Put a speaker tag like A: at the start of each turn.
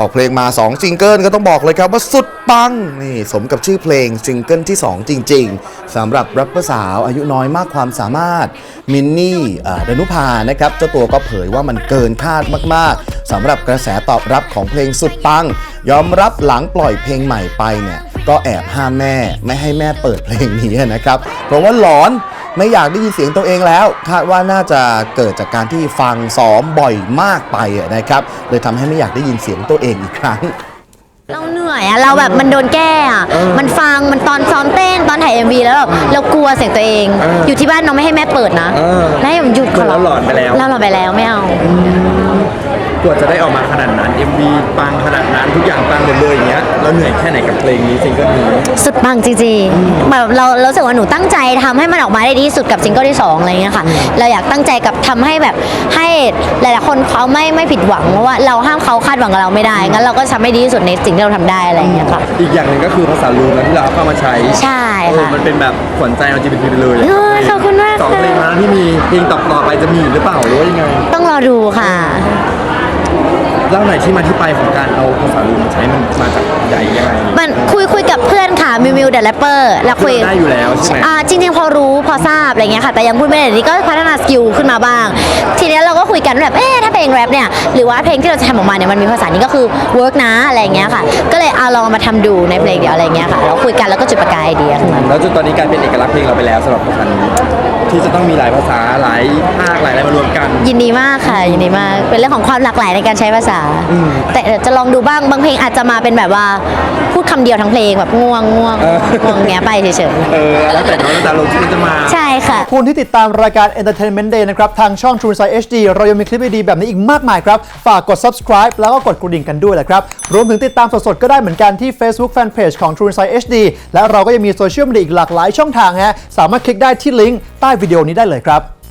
A: ออกเพลงมา2ซิงเกิลก็ต้องบอกเลยครับว่าสุดปังนี่สมกับชื่อเพลงซิงเกิลที่2จริงๆสำหรับแรปเปอร์สาวอายุน้อยมากความสามารถมินนี่ดนุภานะครับเจ้าตัวก็เผยว่ามันเกินคาดมากๆสำหรับกระแสตอบรับของเพลงสุดปังยอมรับหลังปล่อยเพลงใหม่ไปเนี่ยก็แอบห้ามแม่ไม่ให้แม่เปิดเพลงนี้นะครับเพราะว่าหลอนไม่อยากได้ยินเสียงตัวเองแล้วคาดว่าน่าจะเกิดจากการที่ฟังซ้อมบ่อยมากไปนะครับเลยทำให้ไม่อยากได้ยินเสียงตัวเองอีกครั้ง
B: เราเหนื่อยอะเราแบบมันโดนแก้อะมันฟังมันตอนซ้อมเต้นตอนถ่าย MV แล้วเรากลัวเสียงตัวเอง อยู่ที่บ้านน้องไม่ให้แม่เปิดนะแล้วให้ผมหยุดขอร้อง
C: เราหลอนไปแล้ว
B: เราหลอนไปแล้วไม่เอา
C: กว่าจะได้ออกมาขนาดนั้น MV ปังขนาดนั้นทุกอย่างปังหมดเลยอย่างเงี้ยเราเหนื่อยแค่ไหนกับเพลงนี้ซิงเกิลนี้
B: สุดปังจริงๆแบบเรารู้สึกว่าหนูตั้งใจทำให้มันออกมาได้ดีที่สุดกับซิงเกิลที่2อะไรเงี้ยค่ะเราอยากตั้งใจกับทำให้แบบให้หลายๆคนเขาไม่ผิดหวังเพราะว่าเราห้ามเขาคาดหวังกับเราไม่ได้งั้นเราก็ทำให้ดีที่สุดในสิ่งที่เราทำได้อะไรเงี้ยค่ะ
C: อีกอย่างหนึ่งก็คือภาษาลูนะที่เราเข้ามาใช้
B: ใช่ค่ะ
C: มันเป็นแบบขวัญใจ LGBT ไปเลย
B: ขอบคุณมาก
C: 2เพลงมาที่มีเพลงต่อไปจะมีหรือเปล่าหรือว่ายังไง
B: ต้องรอดูค่ะ
C: เล่าหน่อยที่มาที่ไปของการเอาภาษาลูมาใช้มันมาจากใหญ่ยังไง
B: มันคุยกับเพื่อนค่ะมิวเดอะแรปเปอร์แล้วคุย
C: ได้อยู่แล้วใช่ไหม
B: จริงๆพอรู้พอทราบอะไรเงี้ยค่ะแต่ยังพูดไม่ได้นี่ก็พัฒนาสกิลขึ้นมาบ้างทีนี้เราก็คุยกันแบบถ้าเพลงแรปเนี่ยหรือว่าเพลงที่เราจะทำออกมาเนี่ยมันมีภาษานี้ก็คือเวิร์กนะอะไรเงี้ยค่ะก็เลยลองมาทำดูในเพลงเดียวอะไรเงี้ยค่ะเราคุยกันแล้วก็จุดประกายไอเดียขึ้นมา
C: แล้วจนตอนนี้กลายเป็นเอกลักษณ์เพลงเราไปแล้วสำหรับภาษานี้ที่จะต้องมีหลายภาษาหลายภาคหลายอะไรมารวมกัน
B: ยินดีมากค่ะยินดีมากเป็นเรื่องของความหลากหลายในการใช้ภาษาแต่จะลองดูบ้างบางเพลงอาจจะมาเป็นแบบว่าพูดคำเดียวทั้งเพลงแบบง่วงเงี้ยไปเฉย
C: ๆแล้วแต่น้องแต่ลงที่มันจะมา
B: ใช่ค่ะ
D: คุณที่ติดตามรายการ Entertainment Day นะครับทางช่อง True Insight HD เรายังมีคลิปดีๆแบบนี้อีกมากมายครับฝากกด subscribe แล้วก็กดกระดิ่งกันด้วยแหละครับรวมถึงติดตามสดๆก็ได้เหมือนกันที่ Facebook Fanpage ของ True Insight HD และเราก็ยังมีโซเชียลมีเดียอีกหลากหลายช่องทางฮะสามารถคลิกได้ที่ลิงก์ใต้วิดีโอนี้ได้เลยครับ